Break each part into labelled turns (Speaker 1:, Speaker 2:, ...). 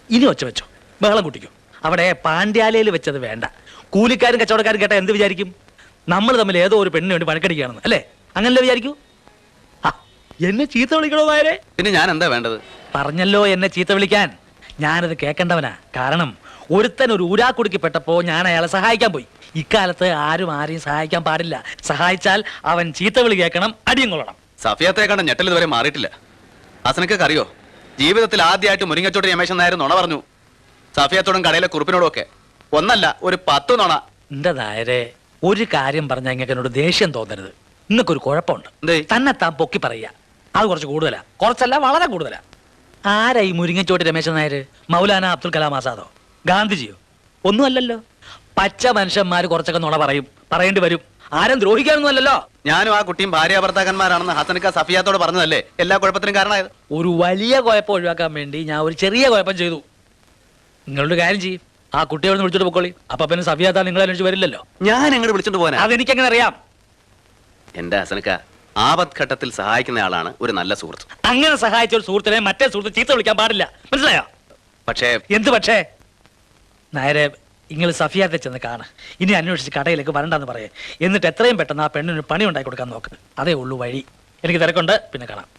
Speaker 1: ഇനി ഒച്ച വെച്ചോ, ബഹളം കൂട്ടിക്കോ. അവിടെ പാണ്ഡ്യാലയിൽ വെച്ചത് വേണ്ട. കൂലിക്കാരും കച്ചവടക്കാരും കേട്ടാ എന്ത് വിചാരിക്കും? നമ്മൾ തമ്മിൽ ഏതോ ഒരു പെണ്ണിന് വേണ്ടി പണക്കടിക്കുകയാണെന്ന് അല്ലേ? അങ്ങനല്ലേ വിചാരിക്കൂ? എന്നെ ചീത്ത വിളിക്കണോ നായരെ?
Speaker 2: പിന്നെ ഞാൻ എന്താ വേണ്ടത്?
Speaker 1: പറഞ്ഞല്ലോ എന്നെ ചീത്ത വിളിക്കാൻ. ഞാനത് കേൾക്കേണ്ടവനാ. കാരണം ഒരുത്തൻ ഒരു ഊരാക്കുടുക്കിപ്പെട്ടപ്പോ ഞാൻ അയാളെ സഹായിക്കാൻ പോയി. ഇക്കാലത്ത് ആരും ആരെയും സഹായിക്കാൻ പാടില്ല. സഹായിച്ചാൽ അവൻ ചീത്ത വിളി കേൾക്കണം, അടിയും കൊള്ളണം.
Speaker 2: സഫിയത്തെ കണ്ട ഞെട്ടൽ ഇതുവരെ മാറിയിട്ടില്ല. ഹസനക്കൊക്കെ അറിയോ, ജീവിതത്തിൽ ആദ്യമായിട്ട് മുരിങ്ങച്ചോട്ട് രമേശൻ നായർ നുണ പറഞ്ഞു. സഫിയത്തോടും കടയിലെ കുറിപ്പിനോടും ഒക്കെ. ഒന്നല്ല, ഒരു 10 നുണ.
Speaker 1: എന്റെ നായരെ, ഒരു കാര്യം പറഞ്ഞാൽ ഇങ്ങനെ എന്നോട് ദേഷ്യം തോന്നരുത്. ഇന്നൊക്കൊരു കുഴപ്പമുണ്ട്. തന്നെ താൻ പൊക്കി പറയുക, അത് കുറച്ച് കൂടുതലാ. കുറച്ചല്ല, വളരെ കൂടുതലാ. ആരാ ഈ മുരിങ്ങച്ചോട്ട് രമേശൻ നായർ? മൗലാന അബ്ദുൽ കലാം ആസാദോ, ഗാന്ധിജിയോ? ഒന്നുമല്ലല്ലോ. പച്ച മനുഷ്യന്മാര് കുറച്ചൊക്കെ നുണ പറയും, പറയേണ്ടി വരും. ആരും ദ്രോഹിക്കാനൊന്നും അല്ലല്ലോ.
Speaker 2: ഞാനും ആ കുട്ടിയും ഭാര്യ ഭർത്താക്കന്മാരാണെന്ന് ഹസനക്ക സഫിയാത്തോട് പറഞ്ഞതല്ലേ എല്ലാ കുഴപ്പത്തിനും കാരണമായത്?
Speaker 1: ഒരു വലിയ കുഴപ്പം ഒഴിവാക്കാൻ വേണ്ടി ഞാൻ ഒരു ചെറിയ കുഴപ്പം ചെയ്തു. നിങ്ങളൊരു കാര്യം ചെയ്യും, ആ കുട്ടിയോട് വിളിച്ചോട്ട് പൊക്കോളി. അപ്പൊ പിന്നെ സഫിയാത്ത നിങ്ങളെ അന്വേഷിച്ച് വരില്ലല്ലോ.
Speaker 2: ഞാൻ എങ്ങോട്ട് വിളിച്ചോണ്ട് പോകാൻ?
Speaker 1: അതെനിക്കെങ്ങനെ അറിയാം?
Speaker 2: എന്റെ ഹസനക്ക, ആപത്ഘട്ടത്തിൽ സഹായിക്കുന്ന ആളാണ് ഒരു നല്ല സുഹൃത്ത്.
Speaker 1: അങ്ങനെ സഹായിച്ച ഒരു സുഹൃത്തിനെ മറ്റേ സുഹൃത്ത് ചീത്ത വിളിക്കാൻ പാടില്ല, മനസ്സിലായോ?
Speaker 2: പക്ഷേ
Speaker 1: എന്ത് പക്ഷേ? നേരെ നിങ്ങൾ സഫിയാത്തെ ചെന്ന് കാണ. ഇനി അന്വേഷിച്ച് കടയിലേക്ക് വരണ്ടെന്ന് പറയേ. എന്നിട്ട് എത്രയും പെട്ടെന്ന് ആ പെണ്ണിന് പണി ഉണ്ടാക്കി കൊടുക്കാൻ നോക്ക്. അതേ ഉള്ളൂ വഴി. എനിക്ക് തിരക്കുണ്ട്, പിന്നെ കാണാം.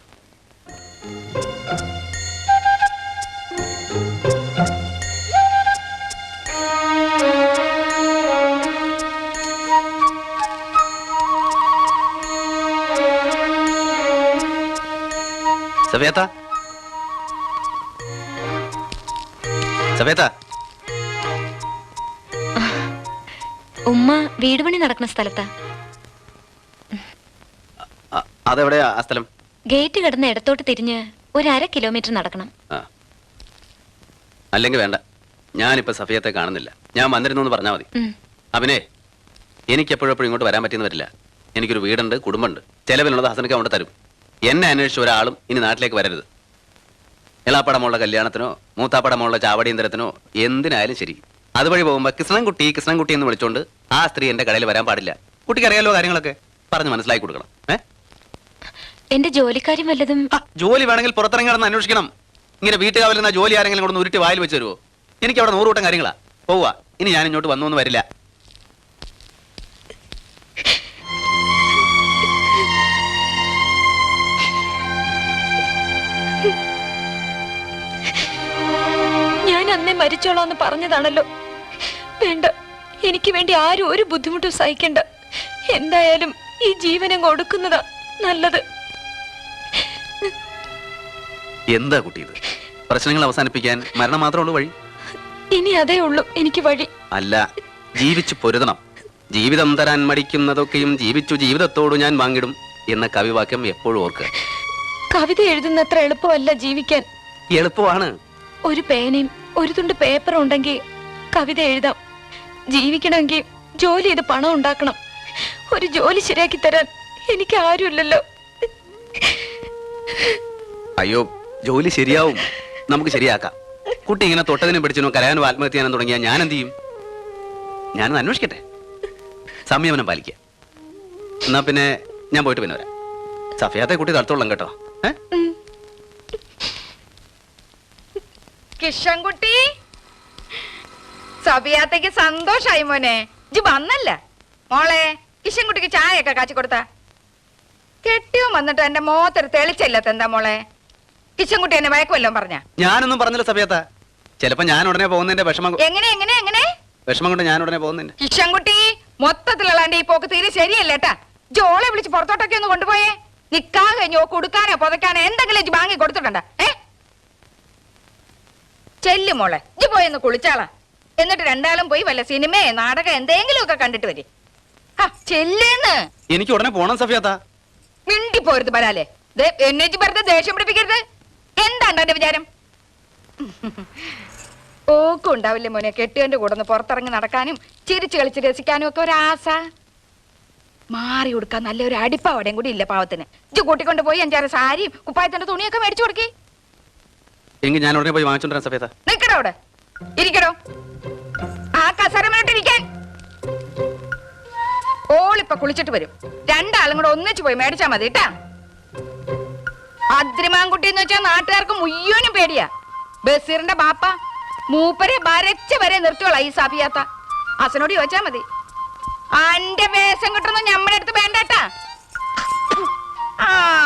Speaker 2: സഫിയത്ത, സഫിയത്ത.
Speaker 3: ഉമ്മ വീട് പണി നടക്കുന്ന സ്ഥലത്താ.
Speaker 2: അതെവിടെയാ ആ സ്ഥലം?
Speaker 3: ഗേറ്റ് കിടന്ന് ഇടത്തോട്ട് തിരിഞ്ഞ് 1/2 കിലോമീറ്റർ നടക്കണം.
Speaker 2: അല്ലെങ്കിൽ വേണ്ട, ഞാനിപ്പോ സഫിയത്തെ കാണുന്നില്ല. ഞാൻ വന്നിരുന്നു എന്ന് പറഞ്ഞാൽ മതി. അവനെ എനിക്ക് എപ്പോഴും ഇങ്ങോട്ട് വരാൻ പറ്റിയെന്ന് വരില്ല. എനിക്കൊരു വീടുണ്ട്, കുടുംബമുണ്ട്. ചെലവിനുള്ളത് ഹസനക്ക് കൊണ്ട് തരും. എന്നെ അന്വേഷിച്ച ഒരാളും ഇനി നാട്ടിലേക്ക് വരരുത്. എളാപ്പടമുള്ള കല്യാണത്തിനോ മൂത്താപ്പടമുള്ള ചാവടിയന്തരത്തിനോ എന്തിനായാലും ശരി, അതുവഴി പോകുമ്പോ കൃഷ്ണൻകുട്ടി കൃഷ്ണൻകുട്ടി എന്ന് വിളിച്ചോണ്ട് ആ സ്ത്രീ എന്റെ കടയിൽ വരാൻ പാടില്ല. കുട്ടിക്ക് അറിയാലോ കാര്യങ്ങളൊക്കെ, പറഞ്ഞ് മനസ്സിലാക്കി കൊടുക്കണം.
Speaker 3: എന്റെ ജോലിക്കാര്യം വല്ലതും?
Speaker 2: ജോലി വേണമെങ്കിൽ പുറത്തിറങ്ങി നടന്ന് അന്വേഷിക്കണം. ഇങ്ങനെ വീട്ടുകാവലിരുന്ന ജോലി ആരെങ്കിലും കൂടെ ഉരുട്ടി വായിൽ വെച്ച് തരുമോ? എനിക്ക് അവിടെ 100 കൂട്ടം കാര്യങ്ങളാ. പോവാ, ഇനി ഞാൻ ഇങ്ങോട്ട് വന്നൊന്നും വരില്ല.
Speaker 3: ഞാൻ അന്നേ മരിച്ചോളാന്ന് പറഞ്ഞതാണല്ലോ. വേണ്ട, എനിക്ക് വേണ്ടി ആരും ഒരു ബുദ്ധിമുട്ടും സഹിക്കണ്ട. എന്തായാലും ഈ ജീവനം കൊടുക്കുന്നതാ നല്ലത്.
Speaker 2: എന്താ കുട്ടി ഇത്? പ്രശ്നങ്ങൾ അവസാനിപ്പിക്കാൻ മരണം മാത്രമേ വഴി?
Speaker 3: ഇനി അതേ ഉള്ളൂ എനിക്ക് വഴി.
Speaker 2: അല്ല, ജീവിച്ചു പൊരുതണം. ജീവിതം തരാൻ മടിക്കുന്നതൊക്കെയും ജീവിച്ചു ജീവിതത്തോട് ഞാൻ വാങ്ങിടും എന്ന കവിവാക്യം എപ്പോഴും ഓർക്കുക.
Speaker 3: കവിത എഴുതുന്നത്ര എളുപ്പമല്ല ജീവിക്കാൻ.
Speaker 2: എളുപ്പമാണ്.
Speaker 3: ഒരു പേനയും ഒരു തുണ്ട് പേപ്പറും ഉണ്ടെങ്കിൽ കവിത എഴുതാം. ജീവിക്കണമെങ്കിൽ ജോലി ചെയ്ത് പണം ഉണ്ടാക്കണം. ഒരു ജോലി ശരിയാക്കി തരാൻ എനിക്ക് ആരുമില്ലല്ലോ.
Speaker 2: അയ്യോ, ജോലി ശരിയാവും, നമുക്ക് ശരിയാക്കാം. കുട്ടി ഇങ്ങനെ തൊട്ടതിനും പിടിച്ചതിനോ കരയാനോ ആത്മഹത്യ ചെയ്യാനോ തുടങ്ങിയാൽ ഞാൻ എന്ത് ചെയ്യും? ഞാനൊന്ന് അന്വേഷിക്കട്ടെ. സംയമനം പാലിക്കുക. എന്നാ പിന്നെ ഞാൻ പോയിട്ട് പിന്നെ വരാം. സഫിയാത്തെ കുട്ടി തടുത്തോളാം കേട്ടോ.
Speaker 4: കിഷൻകുട്ടി, സഫിയാത്തേക്ക് സന്തോഷായി മോനെ. ഇജ്ജ് വന്നല്ല മോളെ. കിഷൻകുട്ടിക്ക് ചായയൊക്കെ കാച്ചി കൊടുത്താ? കെട്ടിയോ വന്നിട്ട് എന്റെ മോത്തൊരു തെളിച്ചില്ലാത്ത എന്താ മോളെ? കിഷൻകുട്ടി എന്നെ വയക്കുമല്ലോ പറഞ്ഞ?
Speaker 2: ഞാനൊന്നും പറഞ്ഞില്ല സഫിയാത്ത. ചിലപ്പോ ഞാൻ ഉടനെ പോകുന്നതിന്റെ വിഷമം.
Speaker 4: എങ്ങനെ എങ്ങനെ എങ്ങനെ
Speaker 2: വിഷമം കൊണ്ട് ഞാൻ ഉടനെ പോകുന്നതിന്റെ.
Speaker 4: കിഷൻകുട്ടി, മൊത്തത്തിലുള്ളാണ്ട് ഈ പോക്ക് തീരെ ശരിയല്ലേട്ടാ. ജോളെ വിളിച്ച് പുറത്തോട്ടൊക്കെ ഒന്ന് കൊണ്ടുപോയേ. നിക്കാൻ കഴിഞ്ഞോ കൊടുക്കാനോ പുതയ്ക്കാനോ എന്തെങ്കിലും വാങ്ങി കൊടുത്തിട്ടുണ്ട? ചെല്ലു മോളെ, ഇജ്ജ് പോയെന്ന് കുളിച്ചാളാ. എന്നിട്ട് രണ്ടാളും പോയി വല്ല സിനിമയെ നാടകം എന്തെങ്കിലും ഒക്കെ കണ്ടിട്ട് വരെ. ചെല്ലേന്ന്.
Speaker 2: എനിക്ക് ഉടനെ പോണം സഫിയാത്ത.
Speaker 4: മിണ്ടി പോരുത് വരാലേ. എന്നെ വെറുതെ ദേഷ്യം പിടിപ്പിക്കരുത്. എന്താണ്ട് എന്റെ വിചാരം? ഓക്കും ഉണ്ടാവില്ലേ മോനെ കെട്ടിയന്റെ കൂടെ ഒന്ന് പുറത്തിറങ്ങി നടക്കാനും ചിരിച്ചു കളിച്ച് രസിക്കാനും ഒക്കെ ഒരാസ. മാറി കൊടുക്കാൻ നല്ലൊരു അടിപ്പാവടയും കൂടി ഇല്ല പാവത്തിന്. ഇജ്ജ് കൂട്ടിക്കൊണ്ട് പോയി 5-6 സാരിയും കുപ്പായത്തിന്റെ തുണിയൊക്കെ മേടിച്ചു കൊടുക്കി.
Speaker 2: എങ്കിൽ ഞാൻ ഉടനെ പോയി വാങ്ങിച്ചോണ്ടിരാൻ സഫിയാത്ത.
Speaker 4: നിക്കടോ അവിടെ, ഇരിക്കടോ. ആ കസരമിട്ടിരിക്കാൻ. ഓളിപ്പൊ കുളിച്ചിട്ട് വരും. രണ്ടാളും കൂടെ ഒന്നിച്ചു പോയി മേടിച്ചാ മതി കേട്ടാ. അദ്രിമാൻകുട്ടി എന്ന് വെച്ചാൽ നാട്ടുകാർക്ക് മുയ്യോനും പേടിയാ. ബസീറിന്റെ ബാപ്പ മൂപ്പരെ വരച്ച വരെ നിർത്തിയോളാം ഈ സഫിയാത്ത. അസനോട് ചോദിച്ചാ മതി. അന്റെ വേഷം കിട്ടുന്നു ഞമ്മടെ അടുത്ത് വേണ്ടട്ടാ. ആ